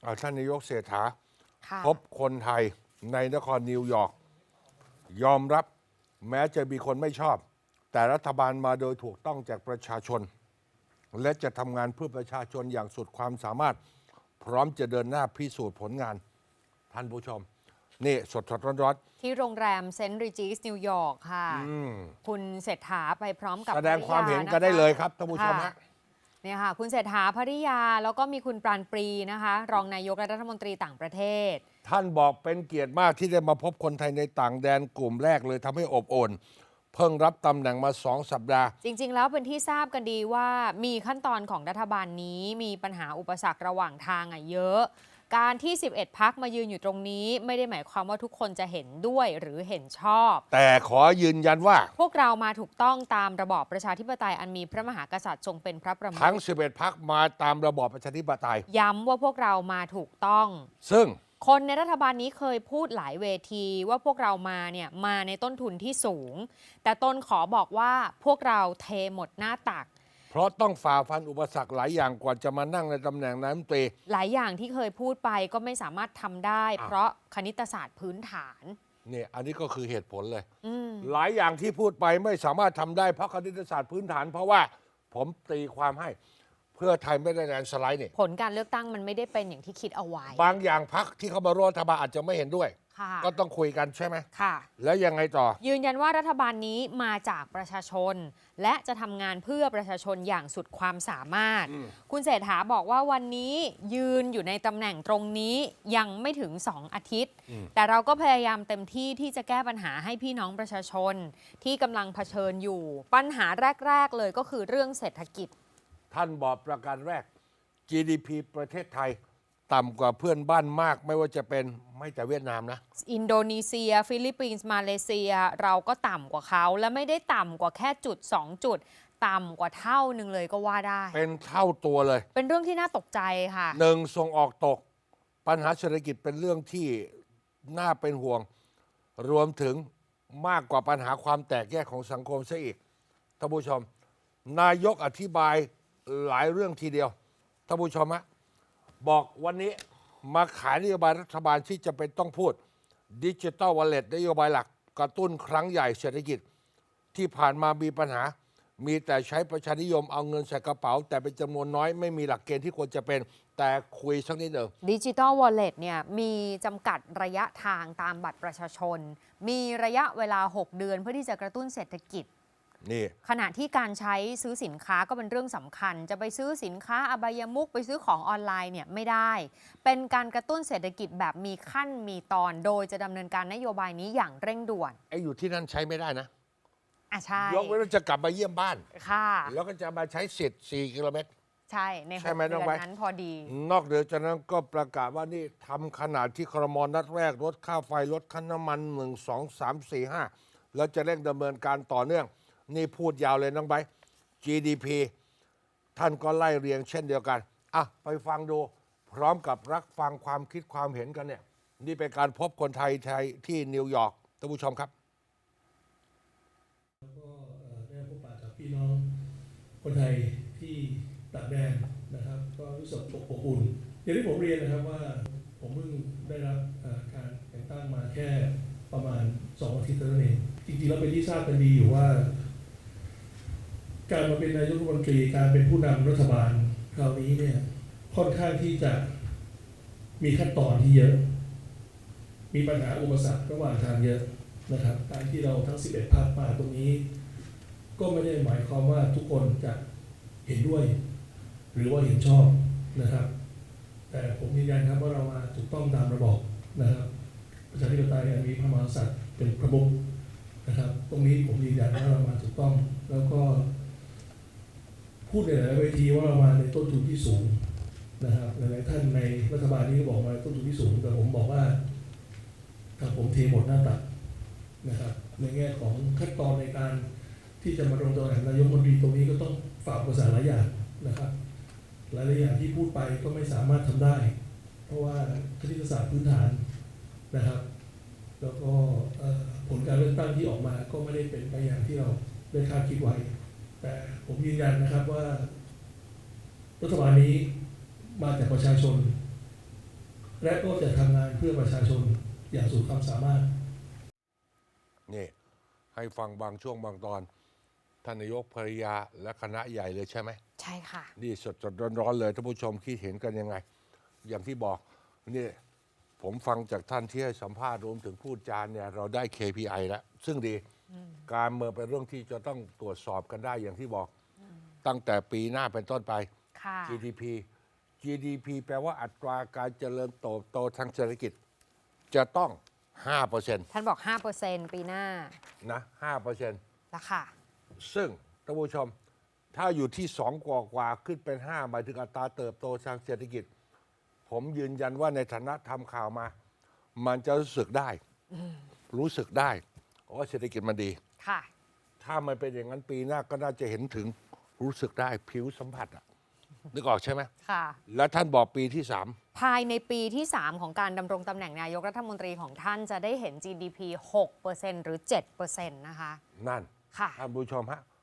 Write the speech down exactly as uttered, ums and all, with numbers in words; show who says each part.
Speaker 1: ท่านนายกเศรษฐาพบคนไทยในนครนิวยอร์กยอมรับแม้จะมีคนไม่ชอบแต่รัฐบาลมาโดยถูกต้องจากประชาชนและจะทำงานเพื่อประชาชนอย่างสุดความสามารถพร้อมจะเดินหน้าพิสูจน์ผลงานท่านผู้ชมนี่สดสดร้อนๆ
Speaker 2: ที่โรงแรมเซนต์ริจิสนิวยอร์กค่ะคุณเศรษฐาไปพร้อมกับ
Speaker 1: แสดงความเห็นกันได้เลยครับท่านผู้ชมฮะ
Speaker 2: เนี่ยค่ะคุณเศรษฐาภริยาแล้วก็มีคุณปราณปรีนะคะรองนายกและรัฐมนตรีต่างประเทศ
Speaker 1: ท่านบอกเป็นเกียรติมากที่ได้มาพบคนไทยในต่างแดนกลุ่มแรกเลยทำให้อบอุ่นเพิ่งรับตำแหน่งมาสองสัปดาห์
Speaker 2: จริงๆแล้วเป็นที่ทราบกันดีว่ามีขั้นตอนของรัฐบาลนี้มีปัญหาอุปสรรคระหว่างทางอ่ะเยอะการที่สิบเอ็ดพรรคมายืนอยู่ตรงนี้ไม่ได้หมายความว่าทุกคนจะเห็นด้วยหรือเห็นชอบ
Speaker 1: แต่ขอยืนยันว่า
Speaker 2: พวกเรามาถูกต้องตามระบอบประชาธิปไตยอันมีพระมหากษัตริย์ทรงเป็นพระประมุข
Speaker 1: ทั้งสิบเอ็ดพรรคมาตามระบอบประชาธิปไตย
Speaker 2: ย้ำว่าพวกเรามาถูกต้อง
Speaker 1: ซึ่ง
Speaker 2: คนในรัฐบาลนี้เคยพูดหลายเวทีว่าพวกเรามาเนี่ยมาในต้นทุนที่สูงแต่ตนขอบอกว่าพวกเราเทหมดหน้าตัก
Speaker 1: เพราะต้องฝ่าฟันอุปสรรคหลายอย่างกว่าจะมานั่งในตำแหน่งนายกรัฐมนตรี
Speaker 2: หลายอย่างที่เคยพูดไปก็ไม่สามารถทำได้เพราะคณิตศาสตร์พื้นฐาน
Speaker 1: เนี่ยอันนี้ก็คือเหตุผลเลยหลายอย่างที่พูดไปไม่สามารถทำได้เพราะคณิตศาสตร์พื้นฐานเพราะว่าผมตีความให้เพื่อไทยไม่ได้แลนด์สไลด์นี่
Speaker 2: ผลการเลือกตั้งมันไม่ได้เป็นอย่างที่คิดเอาไว้
Speaker 1: บางอย่างพรรคที่เขามาร่วมรัฐบาลอาจจะไม่เห็นด้วยก็ต้องคุยกันใช่ไหม
Speaker 2: ค่ะ
Speaker 1: แล้วยังไงต่อ
Speaker 2: ยืนยันว่ารัฐบาลนี้มาจากประชาชนและจะทำงานเพื่อประชาชนอย่างสุดความสามารถคุณเศรษฐาบอกว่าวันนี้ยืนอยู่ในตำแหน่งตรงนี้ยังไม่ถึงสองอาทิตย์แต่เราก็พยายามเต็มที่ที่จะแก้ปัญหาให้พี่น้องประชาชนที่กำลังเผชิญอยู่ปัญหาแรกๆเลยก็คือเรื่องเศรษฐกิจ
Speaker 1: ท่านบอกประการแรก จี ดี พี ประเทศไทยต่ำกว่าเพื่อนบ้านมากไม่ว่าจะเป็นไม่แต่เวียดนามนะ
Speaker 2: อินโดนีเซียฟิลิปปินส์มาเลเซียเราก็ต่ำกว่าเขาและไม่ได้ต่ำกว่าแค่จุดสองจุดต่ำกว่าเท่าหนึ่งเลยก็ว่าได้
Speaker 1: เป็นเท่าตัวเลย
Speaker 2: เป็นเรื่องที่น่าตกใจค่ะ
Speaker 1: หนึ่งส่งออกตกปัญหาเศรษฐกิจเป็นเรื่องที่น่าเป็นห่วงรวมถึงมากกว่าปัญหาความแตกแยกของสังคมซะอีกท่านผู้ชมนายกอธิบายหลายเรื่องทีเดียวท่านผู้ชมฮะบอกวันนี้มาขายนโยบายรัฐบาลที่จะเป็นต้องพูดดิจิทัลวอลเล็ตนโยบายหลักกระตุ้นครั้งใหญ่เศรษฐกิจที่ผ่านมามีปัญหามีแต่ใช้ประชานิยมเอาเงินใส่กระเป๋าแต่เป็นจำนวนน้อยไม่มีหลักเกณฑ์ที่ควรจะเป็นแต่คุยสักนิดหนึ่ง
Speaker 2: ดิจิทัลวอลเล็ตเนี่ยมีจำกัดระยะทางตามบัตรประชาชนมีระยะเวลาหกเดือนเพื่อที่จะกระตุ้นเศรษฐกิจ
Speaker 1: นี่
Speaker 2: ขณะที่การใช้ซื้อสินค้าก็เป็นเรื่องสำคัญจะไปซื้อสินค้าอบายมุขไปซื้อของออนไลน์เนี่ยไม่ได้เป็นการกระตุ้นเศรษฐกิจแบบมีขั้นมีตอนโดยจะดำเนินการนโยบายนี้อย่างเร่งด่วน
Speaker 1: ไอ้อยู่ที่นั่นใช้ไม่ได้นะ
Speaker 2: อ่ะใช่
Speaker 1: ยกเว้นว่าจะกลับมาเยี่ยมบ้าน
Speaker 2: ค่ะ
Speaker 1: แล้วก็จะมาใช้สิทธิ์สี่กิโลเมตร
Speaker 2: ใช่ในหกเดือนนั้นพอดี
Speaker 1: นอกเหนือจากนั้นก็ประกาศว่านี่ทำขนาดที่ครม.นัดแรกลดค่าไฟลดค่าน้ำมันหนึ่งสองสามสี่ห้าแล้วจะเร่งดำเนินการต่อเนื่องนี่พูดยาวเลยน้องไบร์ท จี ดี พี ท่านก็ไล่เรียงเช่นเดียวกันอ่ะไปฟังดูพร้อมกับรับฟังความคิดความเห็นกันเนี่ยนี่เป็นการพบคนไทยไทยที่นิวยอร์กท่านผู้ชมครับ
Speaker 3: แล้วก็ได้พบปะกับพี่น้องคนไทยที่ต่างแดนนะครับก็รู้สึกอบอุ่นอย่างที่ผมเรียนนะครับว่าผมเพิ่งได้รับการแต่งตั้งมาแค่ประมาณสองอาทิตย์เท่านั้นเองจริงๆแล้วเป็นที่ทราบกันดีอยู่ว่าการมาเป็นนายกรัฐมนตรีการเป็นผู้นำรัฐบาลคราวนี้เนี่ยค่อนข้างที่จะมีขั้นตอนที่เยอะมีปัญหาอุปสรรคระหว่างทางเยอะนะครับการที่เราทั้งสิบเอ็ดพรรคมาตรงนี้ก็ไม่ได้หมายความว่าทุกคนจะเห็นด้วยหรือว่าเห็นชอบนะครับแต่ผมยืนยันครับว่าเรามาถูกต้องตามระบอบนะครับประชาธิปไตยมีพระมหากษัตริย์เป็นประมุขนะครับตรงนี้ผมยืนยันว่าเรามาถูกต้องแล้วก็พูดในหลายเวทีว่าเรามาในต้นทุนที่สูงนะครับหลายท่านในรัฐบาลนี้ก็บอกมาต้นทุนที่สูงแต่ผมบอกว่าถ้าผมเทหมดหน้าตักนะครับในแง่ของขั้นตอนในการที่จะมาลงตัวแทนนายกรัฐมนตรีตรงนี้ก็ต้องฝ่าอุปสรรคหลายอย่างนะครับหลายอย่างที่พูดไปก็ไม่สามารถทำได้เพราะว่าคณิตศาสตร์พื้นฐานนะครับแล้วก็ผลการเลือกตั้งที่ออกมาก็ไม่ได้เป็นไปอย่างที่เราได้คาดคิดไว้แต่ผมยืนยันนะครับว่ารัฐบาลนี้มาจากประชาชนและก็จะทำงานเพื่อประชาชนอย่างสุดความสามารถ
Speaker 1: นี่ให้ฟังบางช่วงบางตอนท่านนายกภริยาและคณะใหญ่เลยใช่ไหม
Speaker 2: ใช่ค่ะ
Speaker 1: นี่สดสดร้อนๆเลยท่านผู้ชมคิดเห็นกันยังไง อย่างที่บอกนี่ผมฟังจากท่านที่ให้สัมภาษณ์รวมถึงพูดจานเนี่ยเราได้ เค พี ไอ แล้ว ซึ่งดีการเมืองเป็นเรื่องที่จะต้องตรวจสอบกันได้อย่างที่บอก ตั้งแต่ปีหน้าเป็นต้นไป
Speaker 2: ค่ะ
Speaker 1: จี ดี พี จี ดี พี แปลว่าอัตราการเจริญเติบโตทางเศรษฐกิจ จะต้อง ห้าเปอร์เซ็นต์
Speaker 2: ท่านบอก ห้าเปอร์เซ็นต์ ปีหน้า
Speaker 1: นะ ห้าเปอร์เซ็นต์
Speaker 2: แล้วค่ะ
Speaker 1: ซึ่งท่านผู้ชมถ้าอยู่ที่สองกว่ากว่าขึ้นเป็นห้าหมายถึงอัตราเติบโตทางเศรษฐกิจ ผมยืนยันว่าในฐานะทำข่าวมา มันจะรู้สึกได้ รู้สึกได้ว่าเศรษฐกิจมันดี
Speaker 2: ค่ะ
Speaker 1: ถ้ามันเป็นอย่างนั้นปีหน้าก็น่าจะเห็นถึงรู้สึกได้ผิวสัมผัสอะนึกออกใช่ไหม
Speaker 2: ค่ะ
Speaker 1: แล้วท่านบอกปีที่สาม
Speaker 2: ภายในปีที่ สาม ของการดำรงตำแหน่งนายกรัฐมนตรีของท่านจะได้เห็น จี ดี พี หกเปอร์เซ็นต์ หรือ เจ็ดเปอร์เซ็นต์ นะคะ
Speaker 1: นั่น
Speaker 2: ค่ะ
Speaker 1: ท่านผู้ชมฮะ